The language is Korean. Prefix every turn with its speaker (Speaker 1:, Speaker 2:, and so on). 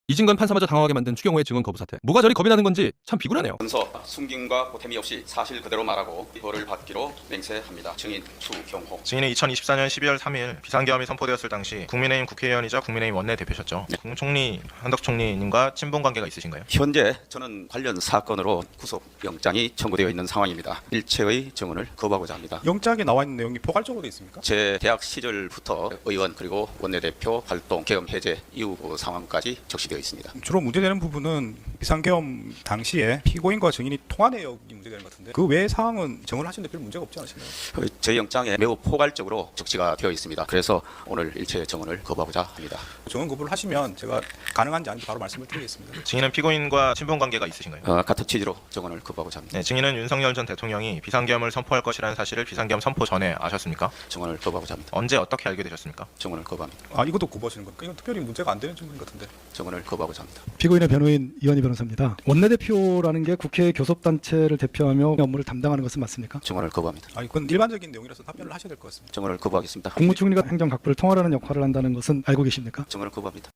Speaker 1: 이진건 판사마저 당황하게 만든 추경호의 증언 거부 사태. 뭐가 저리 겁이 나는 건지 참 비굴하네요.
Speaker 2: 문서 숨김과 보탬이 없이 사실 그대로 말하고 벌을 받기로 맹세합니다. 증인 추경호.
Speaker 3: 증인은 2024년 12월 3일 비상계엄이 선포되었을 당시 국민의힘 국회의원이자 국민의힘 원내대표셨죠. 국무총리 한덕 총리님과 친분 관계가 있으신가요?
Speaker 2: 현재 저는 관련 사건으로 구속영장이 청구되어 있는 상황입니다. 일체의 증언을 거부하고자 합니다.
Speaker 4: 영장에 나와 있는 내용이 포괄적으로 돼 있습니까?
Speaker 2: 제 대학 시절부터 의원 그리고 원내대표 활동, 계엄 해제 이후 상황까지 적시되어 있습니다.
Speaker 4: 주로 문제되는 부분은 비상계엄 당시에 피고인과 증인이 통화 내역이 문제되는 것 같은데 그 외의 사항은 증언을 하시는데 별 문제가 없지 않으신가요?
Speaker 2: 제 영장에 매우 포괄적으로 적시가 되어 있습니다. 그래서 오늘 일체 증언을 거부하고자 합니다.
Speaker 4: 증언 거부를 하시면 제가 가능한지 아닌지 바로 말씀을 드리겠습니다.
Speaker 3: 증인은 피고인과 친분 관계가 있으신가요?
Speaker 2: 같은 취지로 증언을 거부하고자 합니다.
Speaker 3: 네, 증인은 윤석열 전 대통령이 비상계엄을 선포할 것이라는 사실을 비상계엄 선포 전에 아셨습니까?
Speaker 2: 증언을 거부하고자 합니다.
Speaker 3: 언제 어떻게 알게 되셨습니까?
Speaker 2: 증언을 거부합니다.
Speaker 4: 이것도 거부하시는 겁니까? 이건 특별히 문제가 안 되는 증언 같은데.
Speaker 2: 증언을 거부하고자 합니다.
Speaker 5: 피고인의 변호인 이완희 변호사입니다. 원내대표라는 게 국회 교섭단체를 대표하며 업무를 담당하는 것은 맞습니까?
Speaker 2: 증언을 거부합니다.
Speaker 4: 이건 일반적인 내용이라서 답변을 하셔야 될 것 같습니다.
Speaker 2: 증언을 거부하겠습니다.
Speaker 5: 국무총리가 행정각부를 통할하는 역할을 한다는 것은 알고 계십니까?
Speaker 2: 증언을 거부합니다.